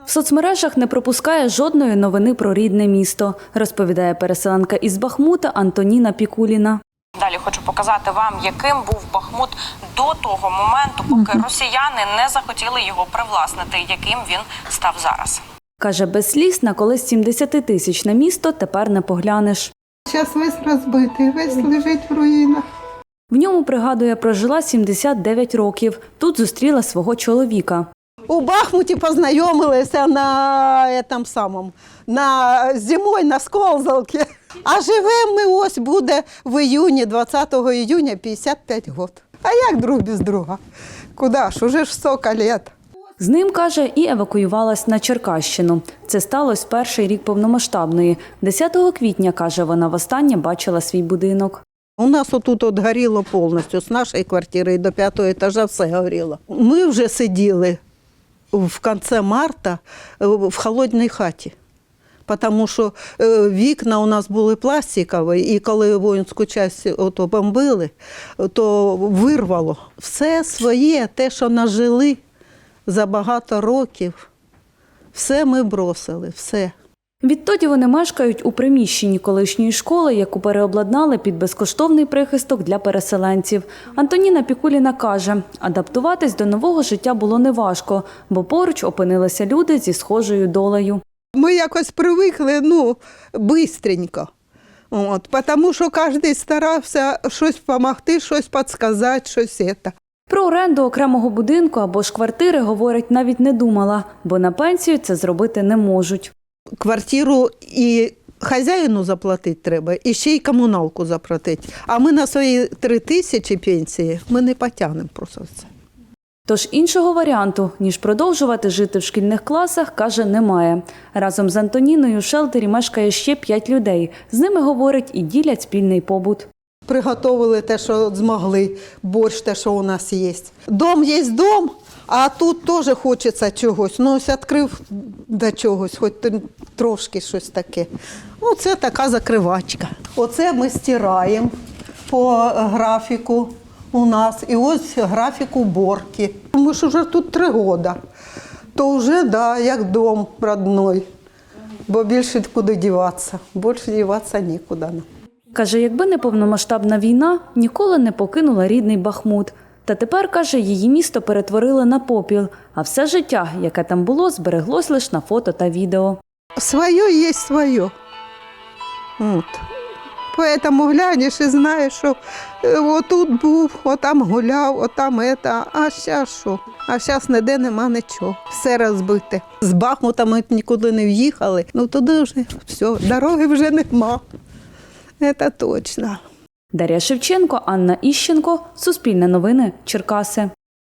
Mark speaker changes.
Speaker 1: В соцмережах не пропускає жодної новини про рідне місто, розповідає переселенка із Бахмута Антоніна Пікуліна.
Speaker 2: Далі хочу показати вам, яким був Бахмут до того моменту, поки росіяни не захотіли його привласнити, яким він став зараз.
Speaker 1: Каже, без сліз на колись 70-тисячне місто тепер не поглянеш.
Speaker 3: Зараз весь розбитий, весь лежить в руїнах.
Speaker 1: В ньому, пригадує, прожила 79 років. Тут зустріла свого чоловіка.
Speaker 3: У Бахмуті познайомилися на зимою на Сколзалці. А живемо ми ось буде в іюні, 20 іюня, 55 років. А як друг без друга? Куди ж, уже ж 100 років.
Speaker 1: З ним, каже, і евакуювалась на Черкащину. Це сталося перший рік повномасштабної. 10 квітня, каже, вона востаннє бачила свій будинок.
Speaker 3: У нас отут горіло повністю, з нашої квартири до 5-го етажа все горіло. Ми вже сиділи в кінці марта в холодній хаті, тому що вікна у нас були пластикові, і коли воїнську частину бомбили, то вирвало. Все своє, те, що нажили за багато років, все ми бросили, все.
Speaker 1: Відтоді вони мешкають у приміщенні колишньої школи, яку переобладнали під безкоштовний прихисток для переселенців. Антоніна Пікуліна каже, адаптуватись до нового життя було неважко, бо поруч опинилися люди зі схожою долею.
Speaker 3: Ми якось привикли, швидко. Тому що кожен старався щось допомогти, щось підказати, щось це.
Speaker 1: Про оренду окремого будинку або ж квартири, говорить, навіть не думала, бо на пенсію це зробити не можуть.
Speaker 3: Квартиру і хазяїну заплатити треба, і ще й комуналку заплатити. А ми на свої 3000 пенсії, ми не потягнемо просто це.
Speaker 1: Тож іншого варіанту, ніж продовжувати жити в шкільних класах, каже, немає. Разом з Антоніною в шелтері мешкає ще 5 людей. З ними, говорить, і ділять спільний побут.
Speaker 3: Приготовили те, що змогли, борщ, те, що у нас є. Дом є дом, а тут теж хочеться чогось. Ось відкрив до чогось, хоч трошки щось таке. Оце така закривачка. Оце ми стираємо по графіку у нас. І ось графік уборки. Ми ж вже тут 3 роки. То вже, як дом родной. Бо більше куди діватися. Більше діватися нікуди.
Speaker 1: Каже, якби не повномасштабна війна, ніколи не покинула рідний Бахмут. Та тепер, каже, її місто перетворили на попіл, а все життя, яке там було, збереглось лише на фото та відео.
Speaker 3: Своє є своє. Тому глянеш і знаєш, що отут був, отам гуляв, отам це, а зараз що? А зараз ніде нема нічого, все розбите. З Бахмута ми нікуди не в'їхали, туди вже все, дороги вже нема. Це точно.
Speaker 1: Дар'я Шевченко, Анна Іщенко, Суспільне новини, Черкаси.